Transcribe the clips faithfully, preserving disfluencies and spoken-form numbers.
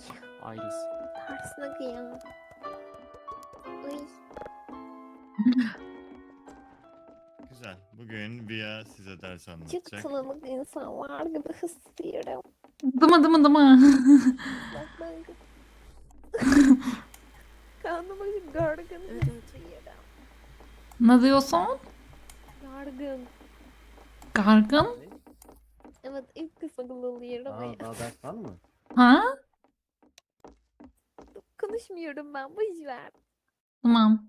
Iris. Tersine kıyam. Ay. Güzel. Bugün Via size ders Çok anlatacak. tanıdık insan var gibi hissediyorum. Dıma dıma dıma. Bak ben kendime gargın Evet, evet. hissediyorum. Ne diyorsun? Gargın. Gargın? Evet ilk kısmı gılıyorum. Aa, daha ders var mı? Ha? Konuşmuyorum ben boş ver. Tamam.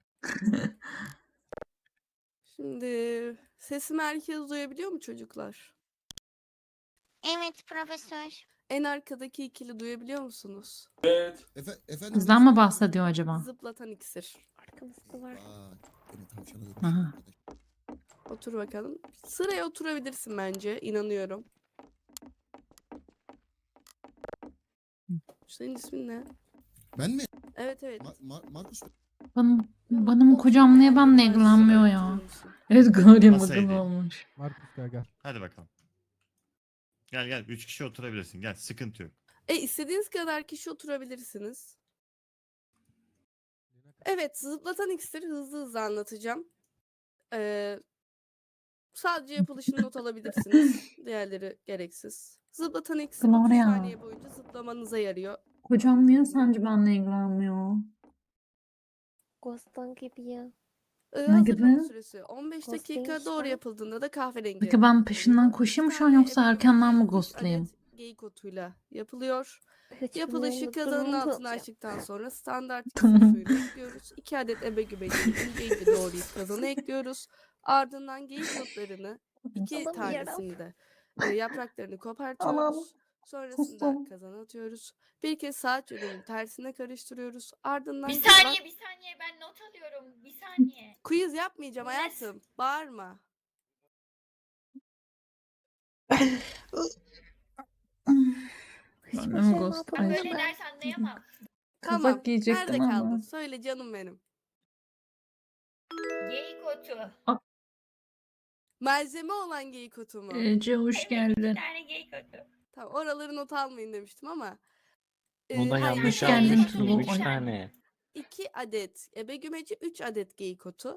Şimdi sesimi herkes duyabiliyor mu çocuklar? Evet profesör. En arkadaki ikili duyabiliyor musunuz? Efe, efendim. Bizden mi bahsediyor acaba? Zıplatan iksir. Arkamızda var. Aa, beni tavşana dönmüş Aha. arkadaş. Otur bakalım. Sıraya oturabilirsin bence. İnanıyorum. Senin ismin ne? Ben mi? Evet evet. Ma- Ma- Markus mu? Benim, Ya, benim otur kocam niye veya benimle bir ilgilenmiyor sıraya ya? oturur musun? Evet gari Masayı mıgın değil. olmuş. Markus gel gel. Hadi bakalım. Gel gel. Üç kişi oturabilirsin. Gel. Sıkıntı yok. E istediğiniz kadar kişi oturabilirsiniz. Evet, zıplatan iksiri hızlı hızlı anlatacağım. Ee, sadece yapılışını not alabilirsiniz. Diğerleri gereksiz. Zıplatan iksir otuz Gloria. saniye boyunca zıplamanıza yarıyor. Kocam niye sence benimle ilgilenmiyor? Ghost'tan gibi ya. Ee, Ne hazırlama gibi? süresi on beş Ghosting dakika, doğru işte. yapıldığında da kahverengi. Peki ben peşinden oluyor. koşayım mı Bir şu an tane yoksa ebe erkenden mi gümeci, üç ghostlayayım? adet geyik otuyla yapılıyor. Hiç Yapılışı bilmiyorum, kazanın durumum altını tutacağım. açtıktan sonra standart iksir Tamam. suyunu ekliyoruz. iki adet ebe gümecini ince ince doğrayıp kazana ekliyoruz. Ardından geyik otlarını iki Alamıyorum. tanesini de e, yapraklarını Anam. kopartıyoruz. Sonrasında Sustum. kazana atıyoruz. Bir kez saat yönünün tersine karıştırıyoruz. Ardından Bir kalan- saniye bir saniye ben not alıyorum. Bir saniye. Quiz yapmayacağım Ne? hayatım. Bağırma. Hiçbir Ben de mi şey ghost- Ben Ay. anlatamadım böyle ben. ders anlayamam. Tamam. Kazak giyecektim Nerede kaldın? ama. Söyle canım benim. Geyik otu. Malzeme olan geyik otu mu? Ece hoş Evet, geldin. iki tane geyik otu. Tamam, oraları not almayın demiştim ama. e, Onu da hayır, yanlış hoş geldin yazmış. Turbo. Üç tane. iki adet ebe gümeci, üç adet geyik otu.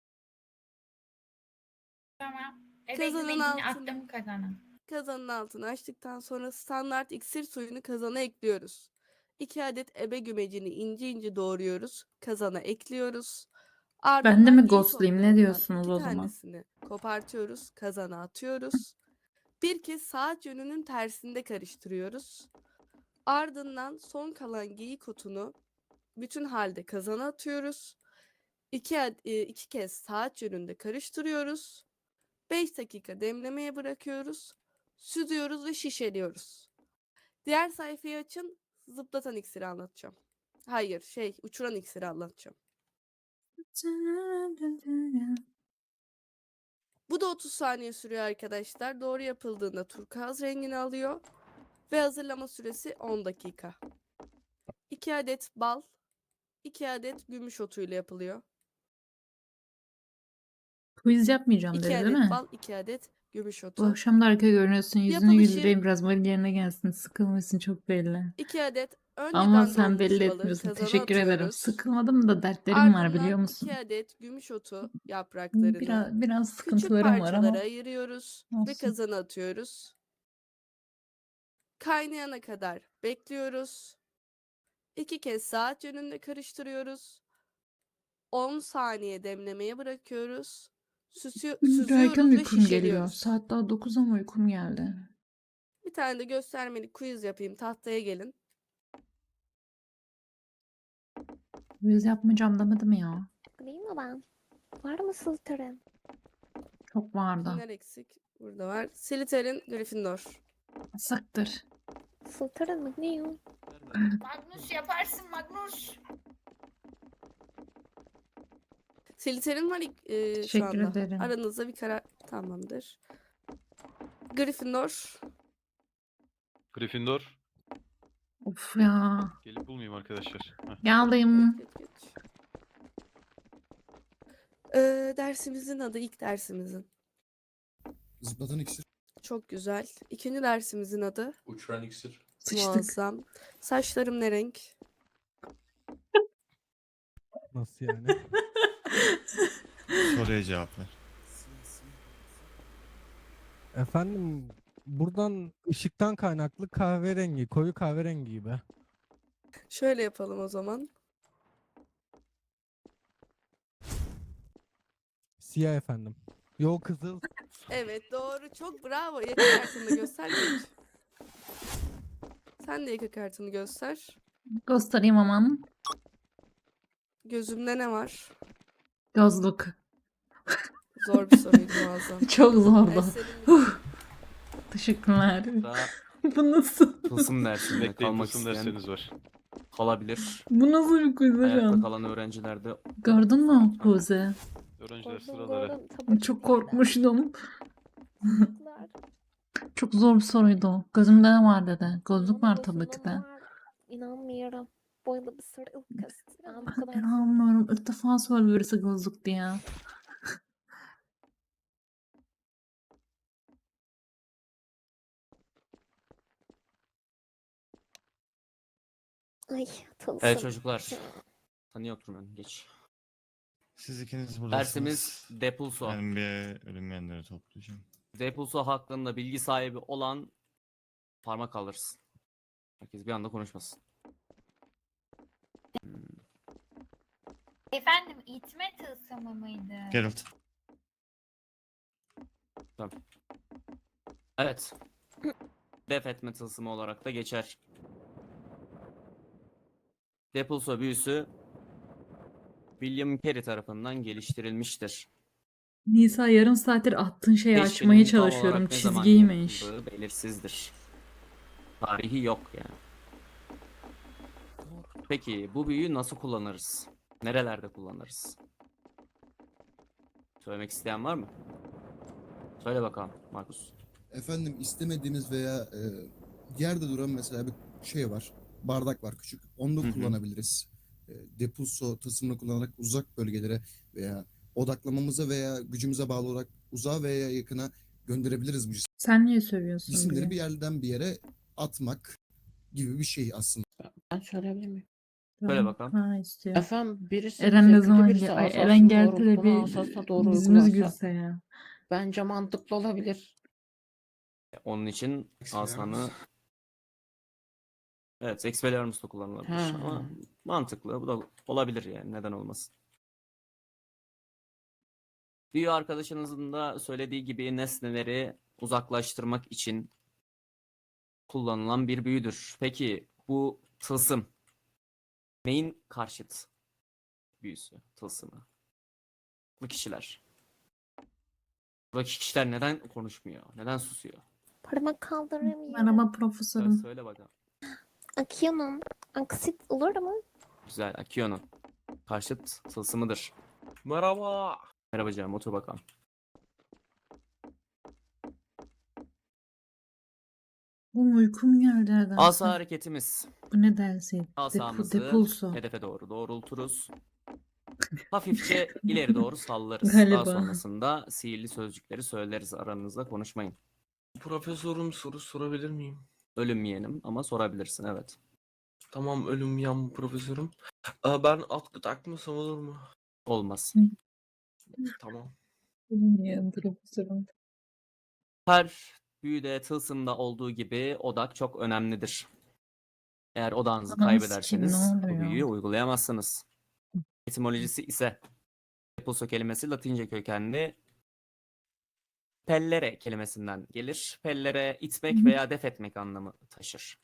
Tamam. Kazanın Kazanın altını. attım kazana. Kazanın altını açtıktan sonra standart iksir suyunu kazana ekliyoruz. iki adet ebe gümecini ince ince doğruyoruz. Kazana ekliyoruz. Ardından Ben de mi geyik ghostlayayım? Ne otlarından diyorsunuz iki o zaman? tanesini kopartıyoruz. Kazana atıyoruz. Bir kez saat yönünün tersinde karıştırıyoruz. Ardından son kalan geyik otunu bütün halde kazana atıyoruz. İki, ad- e, iki kez saat yönünde karıştırıyoruz. beş dakika demlemeye bırakıyoruz. Süzüyoruz ve şişeliyoruz. Diğer sayfayı açın. Zıplatan iksiri anlatacağım. Hayır, şey, uçuran iksiri anlatacağım. Bu da otuz saniye sürüyor arkadaşlar. Doğru yapıldığında turkuaz rengini alıyor. Ve hazırlama süresi on dakika. iki adet bal, iki adet gümüş otuyla yapılıyor. Quiz yapmayacağım iki dedi değil adet mi? bal, iki adet gümüş Bu otu. akşam da harika görünüyorsun. Yüzünü Yapılışı- güldüreyim biraz. Böyle yerine gelsin. Sıkılmışsın çok belli. iki adet önceden Ama sen donmuş belli balı etmiyorsun. kazana Teşekkür ederim. atıyoruz. Sıkılmadım da dertlerim var biliyor Ardından musun? iki adet gümüş otu yapraklarını Biraz, biraz küçük sıkıntılarım var parçalara ama. ayırıyoruz ve Olsun. kazana atıyoruz. Kaynayana kadar bekliyoruz. İki kez saat yönünde karıştırıyoruz. on saniye demlemeye bırakıyoruz. Süsü- Benim süzüyoruz erken ve uykum geliyor. şişeliyoruz. Saat daha dokuz ama uykum geldi. Bir tane de göstermelik quiz yapayım. Tahtaya gelin. Quiz yapmayacağım demedim ya. Değil mi ben? Var mı Slytherin? Çok vardı. Kimler eksik? Burada var. Slytherin, Gryffindor. Sıktır. Slytherin mi? Ne o? Magnus yaparsın Magnus. Slytherin var e, şu Teşekkür anda. ederim. Aranızda bir karar tamamdır. Gryffindor. Gryffindor. Of ya. Gelip bulmayayım arkadaşlar. Heh. Geldim. Geç, geç. Ee, dersimizin adı ilk dersimizin. Zıplatan iksir. Çok güzel. İkinci dersimizin adı Uçuran iksir. Sıçtık. Muazzam. Saçlarım ne renk? Nasıl yani? Soruya cevap ver. Efendim buradan ışıktan kaynaklı kahverengi, koyu kahverengi gibi. Şöyle yapalım o zaman. Siyah efendim. Yo kızıl. Evet doğru. Çok bravo. Yaka kartını da göster geç. Sen de yaka kartını göster. Göstereyim aman. Gözümde ne var? Gözlük. Zor bir soruydu muazzam. Çok zordu. Eserim Teşekkürler. Daha Bu nasıl? tılsım dersinde Bekleyin kalmak tılsım isteyen dersleriniz var. kalabilir. Bu nasıl bir quiz Ayakta hocam? kalan öğrencilerde Gördün mü quiz'i? Öğrenciler Gördüm, sıraları. gördüm. Tabii ki Çok de. korkmuştum. Çocuklar, Çok zor bir soruydu o. Gözümde ne var dedi. Gözlük var inanın tabii ki de. gözümün var. İnanmıyorum. Böyle bir soru ilk kez. Yani bu kadar İnanmıyorum. İlk defa söylüyor birisi gözlük diye. Ay tılsım. Evet çocuklar. Tanıyor oturmayın. Geç. Siz ikiniz buradasınız. Dersimiz Depulso. Ben bir ölünmeyenleri toplayacağım. Depulso hakkında bilgi sahibi olan parmak kaldırsın. Herkes bir anda konuşmasın. Hmm. Efendim itme tılsımı mıydı? Geralt. Evet. Def etme tılsımı olarak da geçer. Depulso büyüsü William Carey tarafından geliştirilmiştir. Nisa yarım saattir attığın şeyi Keşfinin açmaya tam çalışıyorum. olarak ne zaman Çizgiymiş. yapıldığı belirsizdir. Tarihi yok yani. Peki bu büyüyü nasıl kullanırız? Nerelerde kullanırız? Söylemek isteyen var mı? Söyle bakalım Markus. Efendim istemediğiniz veya e, yerde duran mesela bir şey var. Bardak var küçük. Onu Hı da hı. kullanabiliriz. E, Depulso tasımını kullanarak uzak bölgelere veya odaklamamıza veya gücümüze bağlı olarak uzağa veya yakına gönderebiliriz bu Sen niye sövüyorsun cisimleri diye. bir yerden bir yere atmak gibi bir şey aslında. Ben söyleyebilir miyim? Söyle Ben bakalım. para istiyor. Efendim birisi Eren ne zevkli, zaman birisi gel? Ay, asasını Eren geldi de doğrulttuğunu bir asasına doğru yüzümüz uygularsa gülse ya. bence mantıklı olabilir. Onun için asanı evet Expelliarmus'ta kullanılabilir Ha. ama mantıklı. Bu da olabilir yani. Neden olmasın? Büyü arkadaşınızın da söylediği gibi nesneleri uzaklaştırmak için kullanılan bir büyüdür. Peki bu tılsım neyin karşıt büyüsü, tılsımı? Bu kişiler. Buradaki kişiler neden konuşmuyor? Neden susuyor? Parmak kaldıramıyorum. Merhaba Söyle, profesörüm. söyle bakalım. Akıyorum. Aksit olur mu? Güzel. Akio'nun karşıt tılsımıdır. Merhaba. Merhaba canım, otur bakalım. Bu uykum geldi nedense. Asa hareketimiz. Bu ne dersi? Depu, Asamızı depulso. hedefe doğru doğrulturuz. Hafifçe ileri doğru sallarız. Galiba. Daha sonrasında sihirli sözcükleri söyleriz. Aranızda konuşmayın. Profesörüm soru sorabilir miyim? Ölüm yeğenim ama sorabilirsin, evet. Tamam ölüm yan profesörüm. Aa, ben atkı takmasam olur mu? Olmaz. Tamam. Bilmiyorum profesörüm. Her büyüde, tılsımda olduğu gibi odak çok önemlidir. Eğer odağınızı Ananı kaybederseniz sikeyim, ne bu oluyor? büyüyü uygulayamazsınız. Etimolojisi ise Depulso kelimesi Latince kökenli pellere kelimesinden gelir. Pellere itmek Hı. veya def etmek anlamı taşır.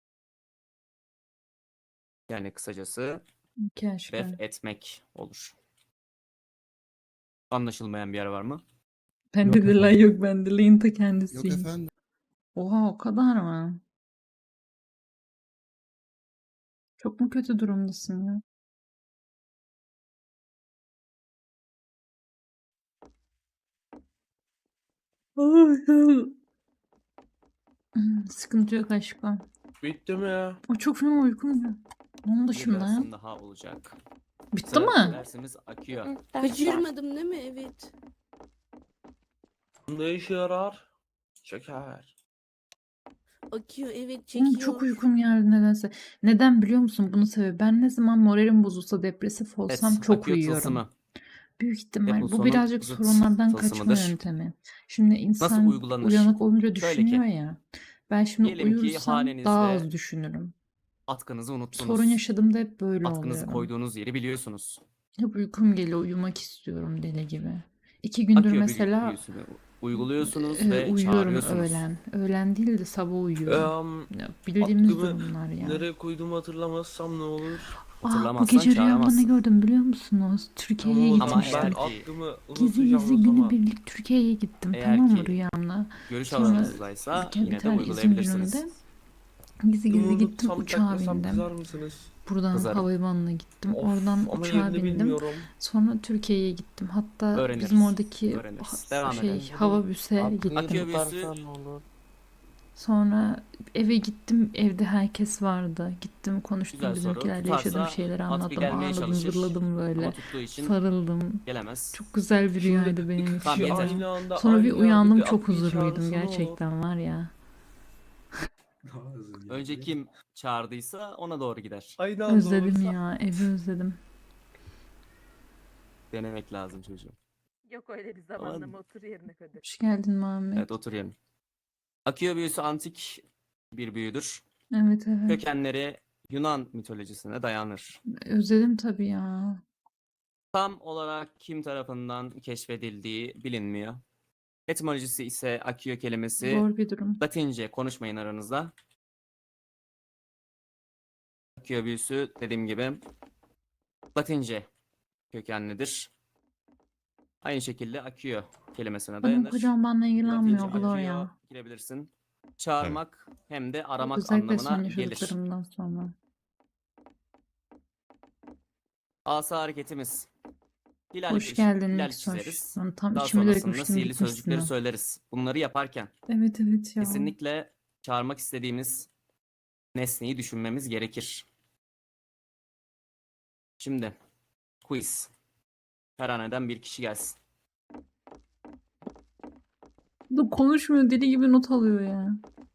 Yani kısacası Keşke. def etmek olur. Anlaşılmayan bir yer var mı? Bende Yok de la efendim. yok bende layın ta Yok kendisiyim. efendim. Oha o kadar mı? Çok mu kötü durumdasın ya? Ay, Hmm, Sıkıntı yok aşkım. Bitti mi ya? O çok fena uykum ya. Onun Bir dışında ya. dersim daha olacak. Bitti Sıradaki mi? dersimiz akıyor. Hı, ders var. Kaçırmadım değil mi? Evet. Ne işe yarar? Şeker. Akıyor, evet, Oğlum çekiyor. çok uykum geldi nedense. Neden biliyor musun bunu sebebi? Ben ne zaman moralim bozulsa, depresif Evet, olsam çok akıyor uyuyorum. tılsımı. Büyük ihtimal. Bu Depulso'nun birazcık zıt sorunlardan kaçma tılsımıdır. yöntemi. Şimdi Nasıl insan uygulanır? uyanık olunca Şöyle düşünüyor ki, ya. Ben şimdi diyelim ki uyursam daha az hanenizde düşünürüm. atkınızı Sorun unuttunuz. yaşadığımda hep böyle Atkınızı oluyorum. koyduğunuz yeri biliyorsunuz. Hep uykum geliyor, uyumak istiyorum deli gibi. İki gündür Akıyor büyü- mesela büyüsünü uyguluyorsunuz e, ve uyuyorum çağırıyorsunuz. öğlen. Öğlen değil de sabah uyuyorum. Em, Ya, bildiğimiz atkımı durumlar ya. nereye koyduğumu hatırlamazsam ne olur? Ah, bu Hatırlamazsan gece rüyamda ne çağıramazsın. gördüm biliyor musunuz? Türkiye'ye Tamam, o zaman Ama ben gitmiştim. eğer ki- aklımı Gizli unutacağım gizli o zaman. günübirlik Türkiye'ye gittim, Eğer tamam mı, ki rüyamda? görüş Sonra alanınızdaysa bir yine de tane izin uygulayabilirsiniz. günümde gizli Aklımı gizli gittim, unutsam uçağa takmasam bindim. kızar mısınız? Buradan Kızarım. havalimanına gittim. Of, Oradan ama uçağa yerini bindim. bilmiyorum. Sonra Türkiye'ye gittim. Hatta bizim Öğreniriz. oradaki Öğreniriz. ha- Devam şey edelim. hava büse Aklını gittim. Akıyor büyüsü tutarsan ne olur? Sonra eve gittim. Evde herkes vardı. Gittim, konuştum, güzel soru. bizimkilerle yaşadığım Tutarsa şeyleri at bir anlattım. gelmeye Ağladım, çalışır. zırladım böyle. Ama tuttuğu için Sarıldım. gelemez. Çok güzel bir Şimdi rüyaydı benim iki için. Tamam, kişi yeter. aynı anda Sonra bir aynı yerde uyandım, bir çok atlıyı huzurluydum çağırsa ne olur? gerçekten var ya. Önce kim çağırdıysa ona doğru gider. Aynı anda Özledim olursa- ya, evi özledim. Denemek lazım çocuğum. Yok öyle bir Aman. zamanlama, otur yerine kadar. Hoş geldin Muhammed. Evet, otur yerine. Akıyor büyüsü antik bir büyüdür. Evet evet. Kökenleri Yunan mitolojisine dayanır. Özledim tabii ya. Tam olarak kim tarafından keşfedildiği bilinmiyor. Etimolojisi ise akıyor kelimesi Zor bir durum. Latince, konuşmayın aranızda. Akıyor büyüsü dediğim gibi Latince kökenlidir. Aynı şekilde akıyor kelimesine Benim dayanır. kocam benimle ilgilenmiyor Latince Gloria. akıyor girebilirsin. Çağırmak hem de aramak Özellikle son anlamına gelir. yaşadıklarımdan sonra. Asa hareketimiz. Hilal Hoş bir- geldin hilal Nexoş. çizeriz. Ben tam Daha içime sonrasında dökmüştüm, sihirli gitmişsin sözcükleri ha. söyleriz. Bunları yaparken Evet evet ya. kesinlikle çağırmak istediğimiz nesneyi düşünmemiz gerekir. Şimdi quiz. Her haneden bir kişi gelsin. Bu konuşmuyor, deli gibi not alıyor ya.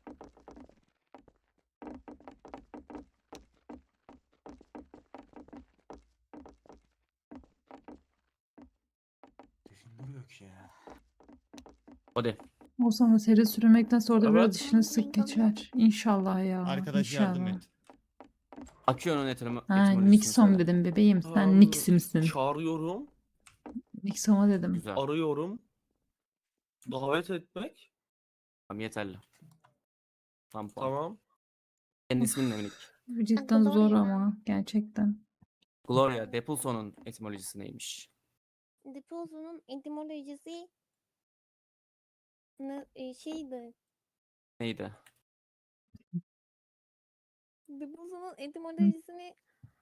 Düşündürüyor ki ya. Hadi. O zaman seri sürmekten sonra da biraz Evet. dişini sık geçer. İnşallah ya. Arkadaş yardım inşallah. et. Akıyor'un etimi, Ha, etimolojisini Nixon söyle. dedim bebeğim. Sen Tamam, Nix'i misin? Çağırıyorum, Nixon'a dedim. Güzel. arıyorum. Davet etmek. Tamam, yeterli. Tam puan. Tamam. Senin ismin ne minik? Bu cidden zor Gloria. ama gerçekten. Gloria Depulso'nun etimolojisi neymiş? Depulso'nun etimolojisi ne, e, şeydi. Neydi? Depulso'nun etimolojisini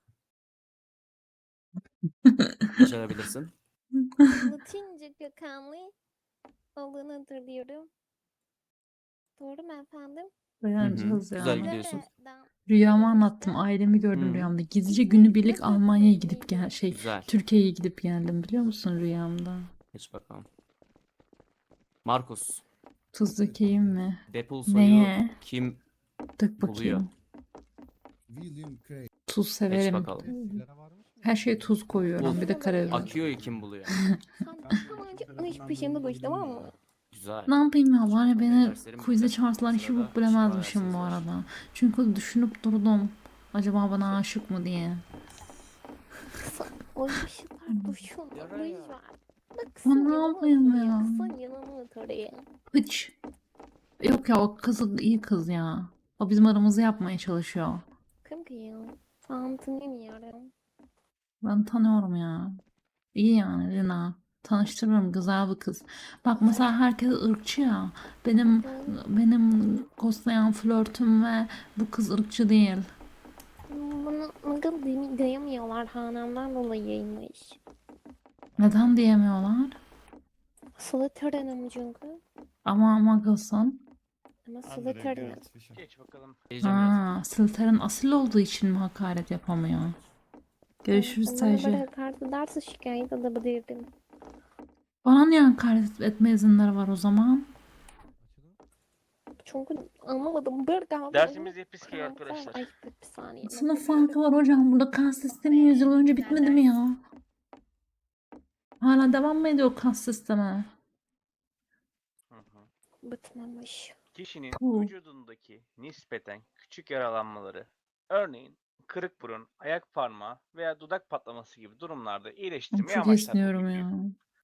Başarabilirsin. Latince kökenli olduğunu hatırlıyorum. Doğru mu efendim? Dayanacağız Güzel ya. gidiyorsun. Nereden Rüyamı gelmişti? anlattım. Ailemi gördüm Hı. rüyamda. Gizlice günübirlik Almanya'ya gidip gel şey Güzel. Türkiye'ye gidip geldim biliyor musun rüyamda? Geç bakalım. Markus. Tuz dökeyim mi? Depulso'yu Neye? kim Dök buluyor? bakayım. William Craig. Tuz Geç severim. bakalım. Sigara varmış mı? Her şeye tuz koyuyorum. Bul. Bir de karabiber. Akıyor'yu kim buluyor? Sen hemen iş peşinde koş, tamam mı? Güzel. Ne yapayım ya? Var ya beni Derslerim quiz'e bitti. çağırsalar hiç Sırada bok bilemezmişim bu şifa arada. Çünkü düşünüp durdum. Acaba bana aşık mı diye. O işler boşuna, boş ver. Bak O sen ne yanıma yapayım otur ya? Sen yanıma otur ya. Hiç. Yok ya, o kız iyi kız ya. O bizim aramızı yapmaya çalışıyor. Kim ki ya? Ben tanımıyorum. Ben tanıyorum ya. İyi yani Lina. Tanıştırırım, güzel bir kız. Bak mesela herkes ırkçı ya. Benim benim ghostlayan flörtüm ve bu kız ırkçı değil. Bana nagıl demi- diyemiyorlar hanemden dolayıymış. Neden diyemiyorlar? Slytherin'im çünkü. Ama ama kızsın. Ama Andre Slytherin. Garrett Fisher. Geç bakalım. Diyeceğim ya. Ha, Slytherin asil olduğu için mi hakaret yapamıyor? Görüşürüz Onlara böyle Stajyer. hakaret ederse şikayet edebilirdim. Bana niye hakaret etme izinleri var o zaman? Çünkü anlamadım. Bir kaldı. Dersimiz episke Karanlık var. arkadaşlar. Ay bir, bir saniye. Sınıf nefes farkı var hocam. Burada kas sistemi yüz yıl önce bitmedi mi ya? Hala devam mı ediyor kas sistemi? Hı hı. bitmemiş. Kişinin Puh. vücudundaki nispeten küçük yaralanmaları, örneğin kırık burun, ayak parmağı veya dudak patlaması gibi durumlarda iyileştirmeyi Çok amaçlar bu esniyorum büyü. ya.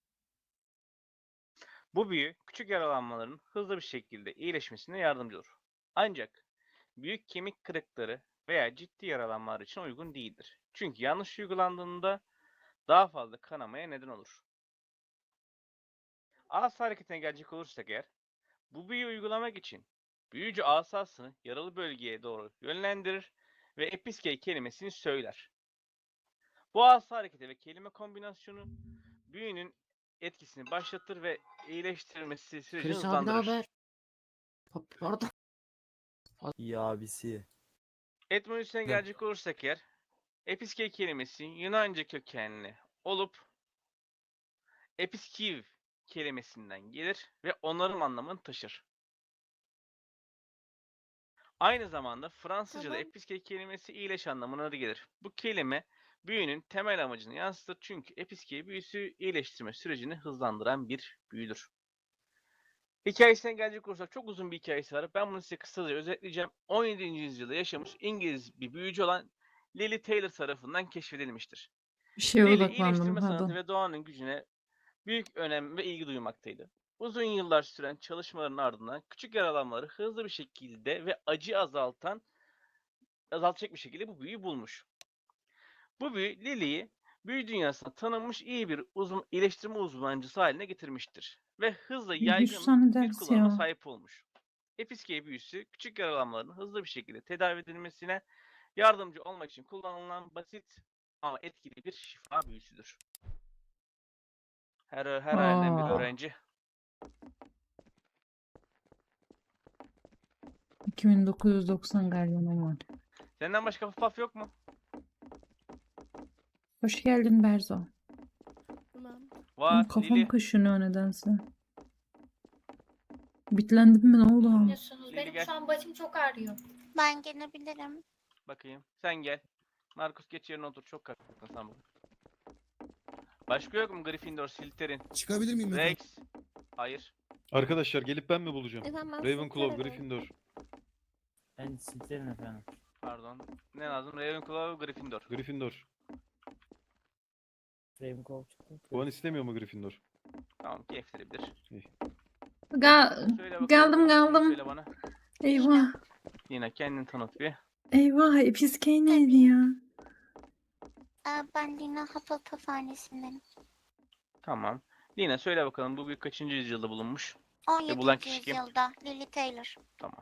Bu büyü küçük yaralanmaların hızlı bir şekilde iyileşmesine yardımcı olur. Ancak büyük kemik kırıkları veya ciddi yaralanmalar için uygun değildir. Çünkü yanlış uygulandığında daha fazla kanamaya neden olur. Asa hareketine gelecek olursak eğer, bu büyüyü uygulamak için büyücü asasını yaralı bölgeye doğru yönlendirir ve episkey kelimesini söyler. Bu asa hareketi ve kelime kombinasyonu büyünün etkisini başlatır ve iyileştirilmesi sürecini Chris abi ne hızlandırır. haber? Pa- Pardon. Ya abisi. Etymolojisine gelecek olursak eğer, episkey kelimesi Yunanca kökenli olup episkiv kelimesinden gelir ve onarım anlamını taşır. Aynı zamanda Fransızca'da Tamam. episkey kelimesi iyileş anlamına da gelir. Bu kelime büyünün temel amacını yansıtır çünkü episkey büyüsü iyileştirme sürecini hızlandıran bir büyüdür. Hikayesine gelecek olursak çok uzun bir hikayesi var. Ben bunu size kısaca özetleyeceğim. on yedinci yüzyılda yaşamış İngiliz bir büyücü olan Lily Taylor tarafından keşfedilmiştir. Bir şeye Lily odaklandım iyileştirme sanatı pardon. ve doğanın gücüne büyük önem ve ilgi duymaktaydı. Uzun yıllar süren çalışmaların ardından küçük yaralanmaları hızlı bir şekilde ve acı azaltan azaltacak bir şekilde bu büyüyü bulmuş. Bu büyü Lily'yi büyü dünyasında tanınmış iyi bir uzman, iyileştirme uzmancısı haline getirmiştir ve hızla yüz yaygın tane bir ders kullanıma ya. sahip olmuş. Episkey büyüsü küçük yaralanmaların hızlı bir şekilde tedavi edilmesine yardımcı olmak için kullanılan basit ama etkili bir şifa büyüsüdür. Her her aileden bir Aa. öğrenci. iki bin dokuz yüz doksan gardiyanım var. Senden başka paf yok mu? Hoş geldin Berzo. Tamam. Var. Benim kafam Lili. kaşınıyor nedense. Bitlendim mi ne oldu? Biliyorsunuz Lili benim gel. şu an başım çok ağrıyor. Ben gelebilirim. Bakayım. Sen gel. Markus geç yerine otur. Çok kalktın sen bugün. Başka yok mu? Gryffindor, Slytherin, Çıkabilir miyim efendim? Rex. Hayır. Arkadaşlar gelip ben mi bulacağım? Efendim ben Ravenclaw, Slytherin. Gryffindor. Ben Slytherin efendim. Pardon. Ne lazım? Ravenclaw, Gryffindor. Gryffindor. Ravenclaw çıktı. Puan istemiyor mu Gryffindor? Tamam, keyiflenebilir. Ga Söyle bakalım. geldim ismini geldim. Söyle bana. Eyvah. Yine kendini tanıt bir. Eyvah. Episkey neydi ya? Ben Lina Hufflepuff hanesinden. Tamam. Lina söyle bakalım bu büyük kaçıncı yüzyılda bulunmuş? on bulan yedinci kişi kim? yüzyılda Lily Taylor. Tamam.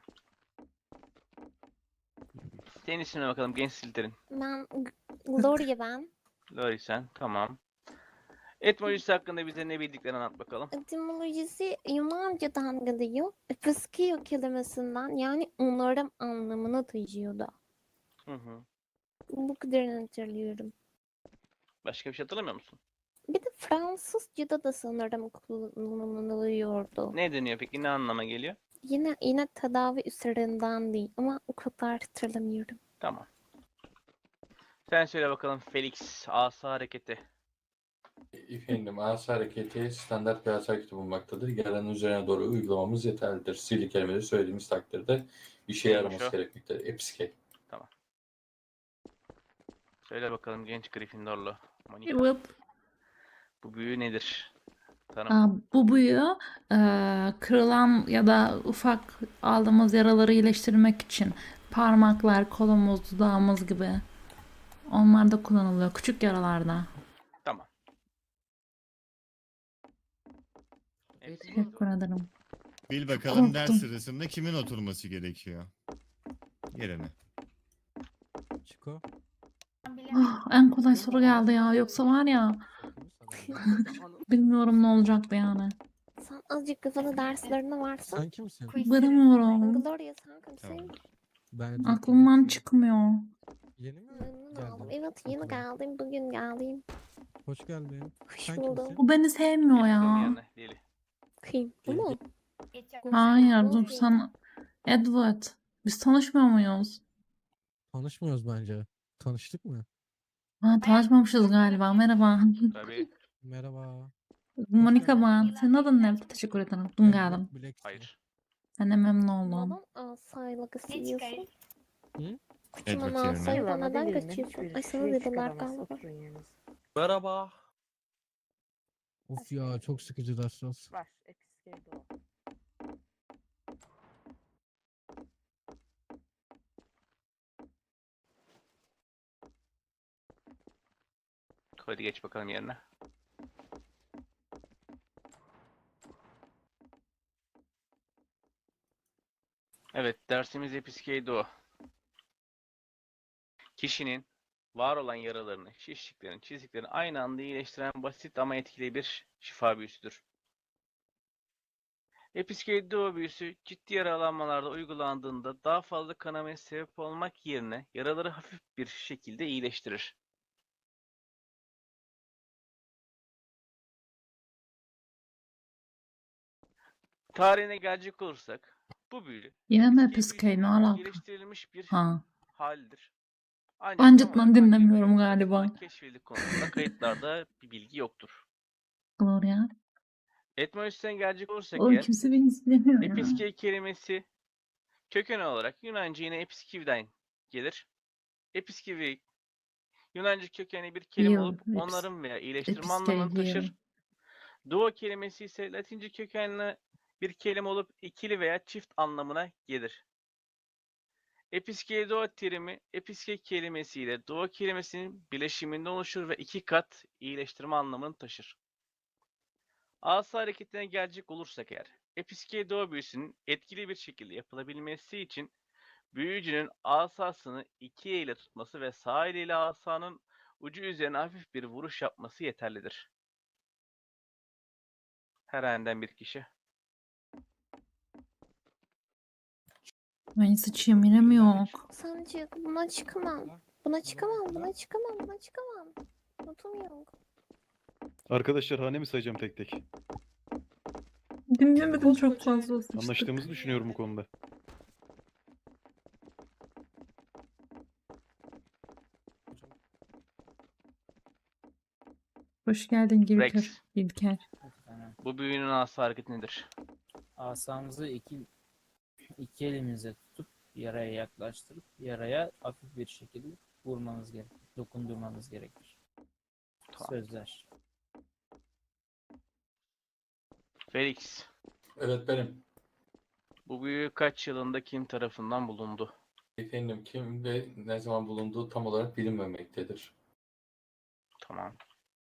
Senin ismine bakalım genç Slytherin. Ben Gloria ben. Lori sen. Tamam. Etymolojisi hakkında bize ne bildiklerini anlat bakalım. Etimolojisi Yunanca'dan geliyor. Episkio kelimesinden yani onarım anlamına taşıyordu. Hı hı. Bu kadarını hatırlıyorum. Başka bir şey hatırlamıyor musun? Bir de Fransızca'da da sanırım kullanılıyordu. Ne deniyor peki? Ne anlama geliyor? Yine yine tedavi üzerinden değil ama o kadar hatırlamıyorum. Tamam. Sen söyle bakalım Felix. Asa hareketi. Efendim, asa hareketi standart bir asa hareketi bulunmaktadır. Yaranın üzerine doğru uygulamamız yeterlidir. Sihirli kelimeleri söylediğimiz takdirde işe Neymiş yaraması o? gerekmektedir. Episkey. Söyle bakalım genç Gryffindorlu. Monica. Evet. Bu büyü nedir? Tanım. Aa, bu büyü e, kırılan ya da ufak aldığımız yaraları iyileştirmek için parmaklar, kolumuz, dudağımız gibi onlar da kullanılıyor. Küçük yaralarda. Tamam. Evet. Teşekkür ederim. Bil bakalım ders Korktum. sırasında kimin oturması gerekiyor? Yerine. Çiko. Ben bilemedim. Ah, en kolay soru geldi ya. Yoksa var ya bilmiyorum ne olacaktı yani. Sen azıcık kafanı derslerine varsa. Sen kimsin? Quiz Varamıyorum. Gloria sen kimsin? Tamam. Ben Aklımdan çıkmıyor. Yeni mi Memnun geldin? oldum. Evet yeni Okula? geldim. Bugün geldim. Hoş geldin. Hoş Sen buldum. kimsin? Bu beni sevmiyor Geçiyorum ya. yerine. Lili. Kim? Bu mu? Geçer. Hayır dur Gloria. sana Edward, biz tanışmıyor muyuz? Tanışmıyoruz bence. Tanıştık mı? Ha, tanışmamışız galiba. Merhaba. Tabii. Merhaba. Monica geldin. ben. Senin adın ne? Teşekkür ederim. Dungar'ım. Edward Blackstone. Hayır. Ben de memnun oldum. Neden asayla Ne kaçıyorsun? çıkar? Kıçından Edward yerine. asayla Hayır, neden delirme. kaçıyorsun? Şöyle Ay sana şuraya dediler çıkaramaz, galiba. oturun yerinize. Merhaba. Of ya çok sıkıcı dersler. Var. Episkeyde o. Hadi geç bakalım yerine. Evet, dersimiz Episkeydo. Kişinin var olan yaralarını, şişliklerini, çiziklerini aynı anda iyileştiren basit ama etkili bir şifa büyüsüdür. Episkeydo büyüsü ciddi yaralanmalarda uygulandığında daha fazla kanamaya sebep olmak yerine yaraları hafif bir şekilde iyileştirir. Tarihine gelecek olursak bu büyü Yine mi eski Episkey? Ne büyüsünün alaka? geliştirilmiş bir Ha. halidir. Ancak Ben tam cidden olarak hangi dinlemiyorum büyü galiba. tarafından keşfedildiği konusunda kayıtlarda bir bilgi yoktur. Gloria. Etymolojisinden gelecek olursak Oğlum eğer, kimse beni izlemiyor ya. episkey kelimesi köken olarak Yunanca yine episkiv'den gelir. Episkivi Yunanca kökenli bir kelime Heal. olup Epis onarım veya iyileştirme Episkey anlamını heal. taşır. Duo kelimesi ise Latince kökenli bir kelime olup ikili veya çift anlamına gelir. Episkeido terimi episke kelimesi ile duo kelimesinin bileşiminden oluşur ve iki kat iyileştirme anlamını taşır. Asa hareketine gelecek olursak eğer, Episkeido büyüsünün etkili bir şekilde yapılabilmesi için büyücünün asasını iki elle tutması ve sağ eliyle asanın ucu üzerine hafif bir vuruş yapması yeterlidir. Herhangi bir kişi. Ay sıçayım yine mi yok? Sence buna çıkamam. Buna çıkamam, buna çıkamam, buna çıkamam. Notum yok. Arkadaşlar hane mi sayacağım tek tek? Dinlemedim çok fazla sıçtık. Anlaştığımızı düşünüyorum bu konuda. Hoş geldin Gülker. Rex. İlker. Bu büyünün asa hareketi nedir? Asamızı iki iki elimize tutup yaraya yaklaştırıp yaraya hafif bir şekilde vurmanız gerekir. Dokundurmanız gerekir. Tamam. Sözler. Felix. Evet benim. Bu büyü kaç yılında kim tarafından bulundu? Efendim kim ve ne zaman bulunduğu tam olarak bilinmemektedir. Tamam.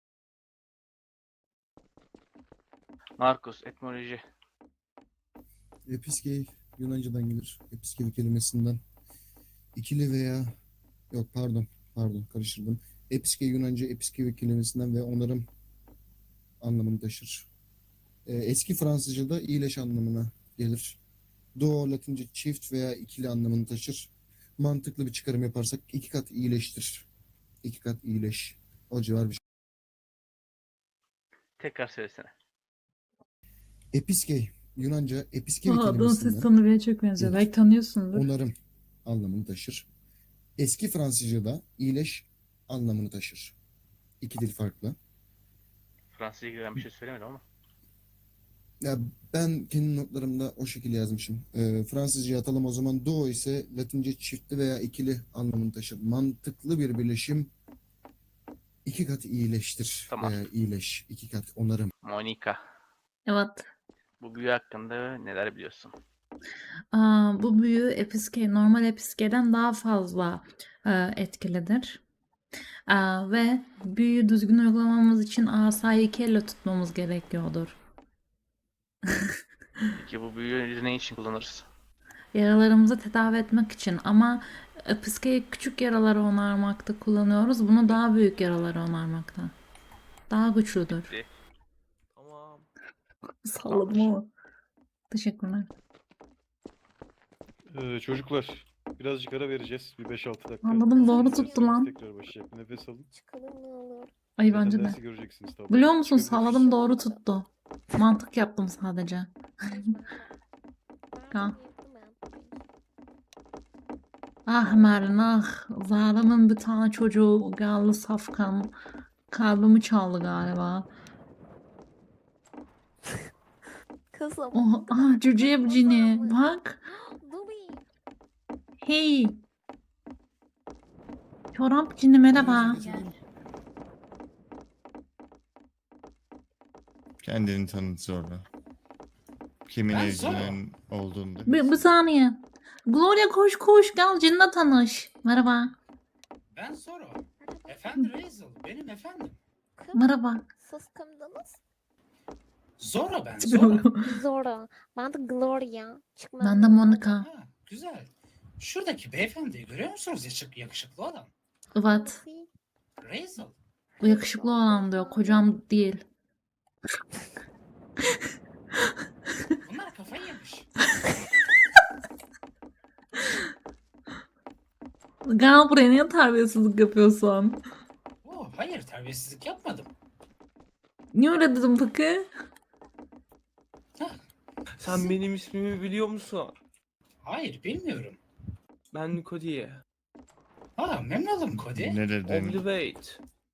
Markus, etmoloji. Episkey Yunanca'dan gelir. Episkey kelimesinden. İkili veya yok pardon pardon karıştırdım. Episkey Yunanca episkey kelimesinden ve onarım anlamını taşır. Ee, eski Fransızca'da iyileş anlamına gelir. Duo Latince çift veya ikili anlamını taşır. Mantıklı bir çıkarım yaparsak iki kat iyileştir. İki kat iyileş. O civar bir şey. Tekrar söylesene. Episkey Yunanca episkey Aa, adamın ses kelimesinden tonu bile çok benziyor. gelir. Belki tanıyorsundur. Onarım anlamını taşır. Eski Fransızca'da iyileş anlamını taşır. İki dil farklı. Fransızca gibi ben bir şey söylemedim ama. Ya ben kendi notlarımda o şekilde yazmışım. Ee, Fransızca atalım o zaman. Duo ise Latince çiftli veya ikili anlamını taşır. Mantıklı bir birleşim iki kat iyileştir Tamam. veya iyileş. iki kat onarım. Monika. Evet. Bu büyü hakkında neler biliyorsun? Aa, bu büyü episkey, normal episkeyden daha fazla e, etkilidir. Aa, ve büyüyü düzgün uygulamamız için asayı iki elle tutmamız gerekiyordur. Peki bu büyüyü ne için kullanırız? Yaralarımızı tedavi etmek için ama episkeyi küçük yaraları onarmakta kullanıyoruz. Bunu daha büyük yaraları onarmakta. Daha güçlüdür. Bitti. Tamam. Salladım ama. Teşekkürler. Ee, çocuklar birazcık ara vereceğiz. Bir beş altı dakika. Anladım, doğru Dersimiz tuttu lan. Tekrar başlayacak. Nefes alın. Çıkalım ne olur. Ay Zaten bence de. dersi göreceksiniz tabii. Biliyor musun Çıkabiliriz. salladım doğru tuttu. Mantık yaptım sadece. Ben Ya. yırttım ben. Ah Merlin ah. Zara'nın bir tane çocuğu geldi safkan. Kalbimi çaldı galiba. Kızım. Oh, ah cüce cini. Bak. Dubi. Hey. Çorap cini merhaba. Kendini tanıt zorla. Kimin Ben evcinin olduğunu da Bir, bir bilsin. saniye. Gloria koş koş gel cinle tanış. Merhaba. Ben Zoro. Efendi Razel. Benim efendim. Merhaba. Siz kimdiniz? Zoro ben. Zora. Ben de Gloria. Çıkma. Ben de Monica. Ha, güzel. Şuradaki beyefendiyi görüyor musunuz? Yakışık, yakışıklı olan. Evet. Razel. Bu yakışıklı olan diyor. Kocam değil. Bunlar kafayı yemiş. Gel buraya niye terbiyesizlik yapıyorsun? Oh, hayır terbiyesizlik yapmadım. Niye öyle dedim peki? Sen benim ismimi biliyor musun? Hayır bilmiyorum. Ben Cody. Ha memnun oldum Cody. Ne dedin? Oblivate.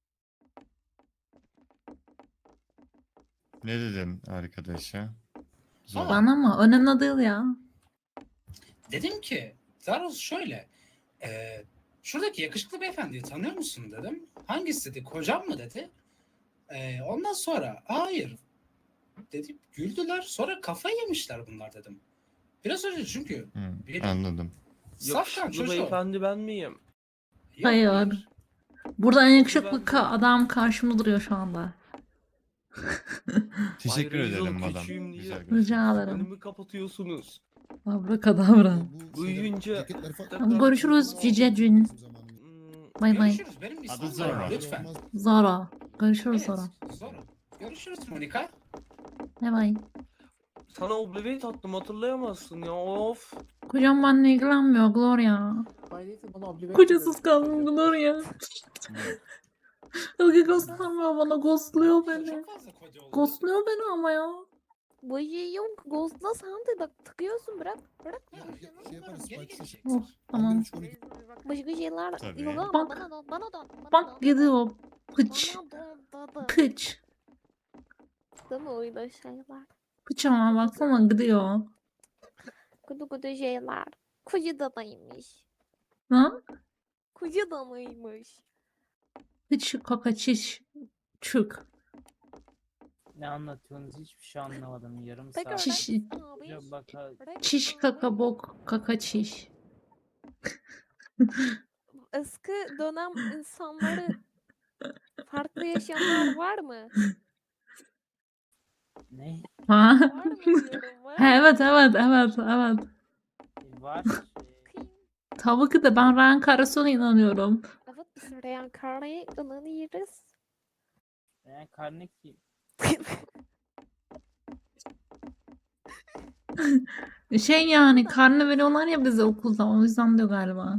Ne dedin arkadaşa? Zor. Bana mı? Önemli değil ya. Dedim ki Zaros şöyle. E, şuradaki yakışıklı beyefendiyi tanıyor musun dedim. Hangisi dedi? Kocam mı dedi. E, ondan sonra hayır dedim. Güldüler. Sonra kafayı yemişler bunlar dedim. Biraz önce çünkü Hı, bir anladım. safkan Yakışıklı çocuğu. beyefendi ben miyim? Yok, Hayır. Burada en yakışıklı Ben- ka- adam karşımda duruyor şu anda. Teşekkür Bay Razel ederim madam. küçüğüm diye. Güzel Rica görüşürüz. ederim. Önümü kapatıyorsunuz. Abrakadabra. Büyüyünce- ceketler farklı. Tamam, görüşürüz Cicecin. Hmm, Bay bay. Görüşürüz. Benim ismim Adı Zoro. Zoro. Lütfen. Zara. Görüşürüz Evet, sonra. Zoro. Görüşürüz Monika. Bay bay. Sana Oblivate attım hatırlayamazsın ya of. Kocam benimle ilgilenmiyor Gloria. Kocasız kaldım Gloria. Ilgi göstermiyor bana. Ghostluyor beni. Çok fazla Cody oldu. Ghostluyor beni ama ya. Bu şey yok. Ghost'la sen de bak tıkıyorsun bırak. Bırak. Ya, Şey yaparız, geri Spike'ı gelecek. Oh, tamam. Başka şeyler Tabii. yok ama Bak. bana dön. Bana dön. Bana Bak dön. gidiyor. Pıç. Bana dön. Dadı. Pıç. Değil mi öyle şeyler? Pıç ama baksana gidiyor. Kudu kudu şeyler. Kucu dadaymış. Ha? Kucu danaymış. Pıç kaka çiş. Çük. Ne anlatıyorsunuz hiçbir şey anlamadım. Yarım Tekrar saat. Çiş. Hoca baka Bırak Çiş abi. kaka bok kaka çiş. Eski dönem insanları farklı yaşayanlar var mı? ne Ha? Var mı diyorum var. Ha, evet evet evet evet. var? Bakayım. Tabii ki de ben reenkarnasyona inanıyorum. Evet biz reenkarnaya inanıyoruz. Yani karne ki Şey yani karne veriyorlar ya bize okulda o yüzden diyor galiba.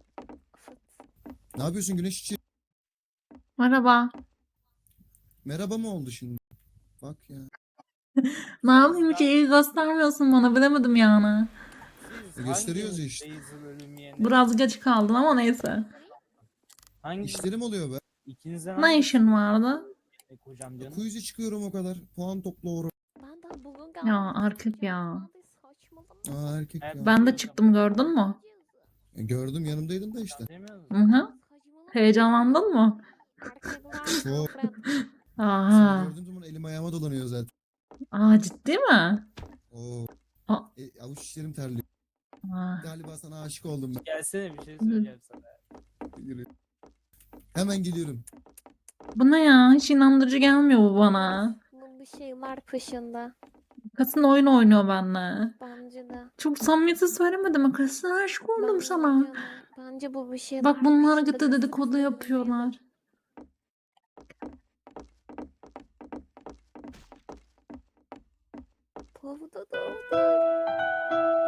Ne yapıyorsun Güneş için? Merhaba. Merhaba mı oldu şimdi? Bak ya. Ne yapayım hiç iyi göstermiyorsun bana bilemedim yani. siz Gösteriyoruz hangi ya işte. Razel ölüm yerine- Biraz geç kaldın ama neyse. Hangi İşlerim oluyor be. ikinizden Ne işin vardı? hangisi kocam canım? Quiz'e çıkıyorum o kadar. Puan topla oraya. Ben daha bugün geldim. Ya erkek ya. Saçmalama. Aa erkek ya. Ben de çıktım gördün mü? E, Gördüm yanımdaydın da işte. Demiyor Hı musun? hı. Heyecanlandın mı? Erkekler Çok. nefret. Seni Aha. gördüğüm zaman elim ayağıma dolanıyor zaten. Aa ciddi mi? Oo. Aa. E, avuç içlerim terliyor. Aa. Galiba sana aşık oldum ben. Gelsene bir şey söyleyeceğim sana. Yürü. Hemen geliyorum. Bu ne ya? Hiç inandırıcı gelmiyor bu bana. Bunun bir şeyler peşinde. Kasın oyun oynuyor benimle. Bence de. Çok samimiyetsiz söylemedim. Kasın aşık oldum Bence sana. de. Bence bu bir şeyler Bak bunlar peşinde. gitti dedikodu yapıyorlar. Pavda da.